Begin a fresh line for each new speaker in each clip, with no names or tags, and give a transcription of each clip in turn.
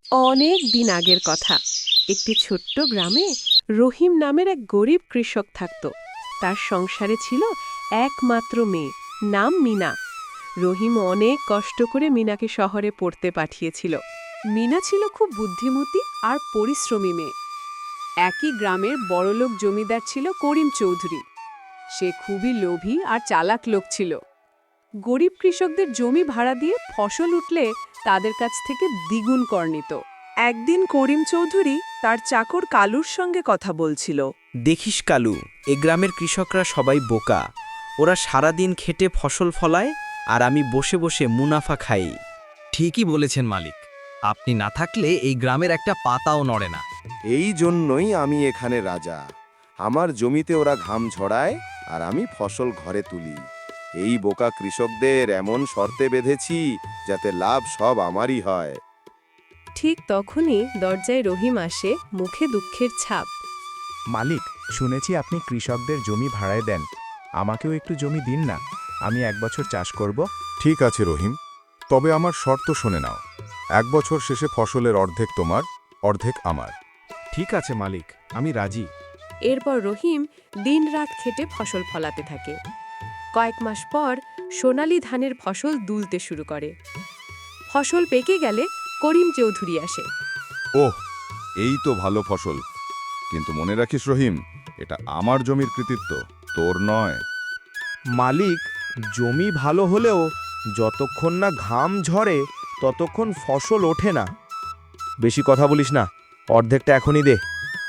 অনেক দিন আগের কথা। একটি ছোট্ট গ্রামে রহিম নামের এক গরিব কৃষক থাকত। তার সংসারে ছিল একমাত্র মেয়ে, নাম মিনা। রহিম অনেক কষ্ট করে মিনাকে শহরে পড়তে পাঠিয়েছিল। মিনা ছিল খুব বুদ্ধিমতী আর পরিশ্রমী মেয়ে। একই গ্রামের বড়লোক জমিদার ছিল করিম চৌধুরী। সে খুবই লোভী আর চালাক লোক ছিল। গরিব কৃষকদের জমি ভাড়া দিয়ে ফসল উঠলে তাদের কাছ থেকে দ্বিগুণ কর নিত। একদিন করিম চৌধুরী তার চাকর কালুর সঙ্গে কথা বলছিল।
দেখিস কালু, এ গ্রামের কৃষকরা সবাই বোকা। ওরা সারাদিন খেটে ফসল ফলায় আর আমি বসে বসে মুনাফা খাই।
ঠিকই বলেছেন মালিক, আপনি না থাকলে এই গ্রামের একটা পাতাও নড়ে না।
এই জন্যই আমি এখানে রাজা। আমার জমিতে ওরা ঘাম ঝরায় আর আমি ফসল ঘরে তুলি। এই বোকা কৃষকদের এমন শর্তে বেঁধেছি যাতে লাভ সব আমারই হয়।
ঠিক তখনই দরজায় রহিম আসে, মুখে দুঃখের ছাপ।
মালিক, শুনেছি আপনি কৃষকদের জমি ভাড়ায় দেন। আমাকেও একটু জমি দিন না, আমি 1 বছর চাষ করব।
ঠিক আছে রহিম, তবে আমার শর্ত শুনে নাও। 1 বছর শেষে ফসলের অর্ধেক তোমার, অর্ধেক আমার।
ঠিক আছে মালিক, আমি রাজি।
এরপর রহিম দিনরাত খেটে ফসল ফলাতে থাকে। কয়েক মাস পর সোনালী ধানের ফসল দুলতে শুরু করে। ফসল পেকে গেলে করিম চৌধুরী আসে।
ওহ, এই তো ভালো ফসল। কিন্তু মনে রাখিস রহিম, এটা আমার জমির কৃতিত্ব, তোর নয়।
মালিক, জমি ভালো হলেও যতক্ষণ না ঘাম ঝরে ততক্ষণ ফসল ওঠে না। বেশি কথা বলিস না, অর্ধেকটা এখনই দে।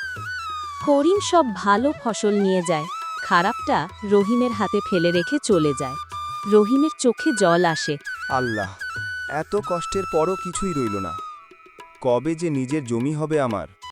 করিম সব ভালো ফসল নিয়ে যায়, খারাপটা রহিমের হাতে ফেলে রেখে চলে যায়। রহিমের চোখে জল আসে।
আল্লাহ, এত কষ্টের পরও কিছুই রইল না। কবে যে নিজের জমি হবে আমার।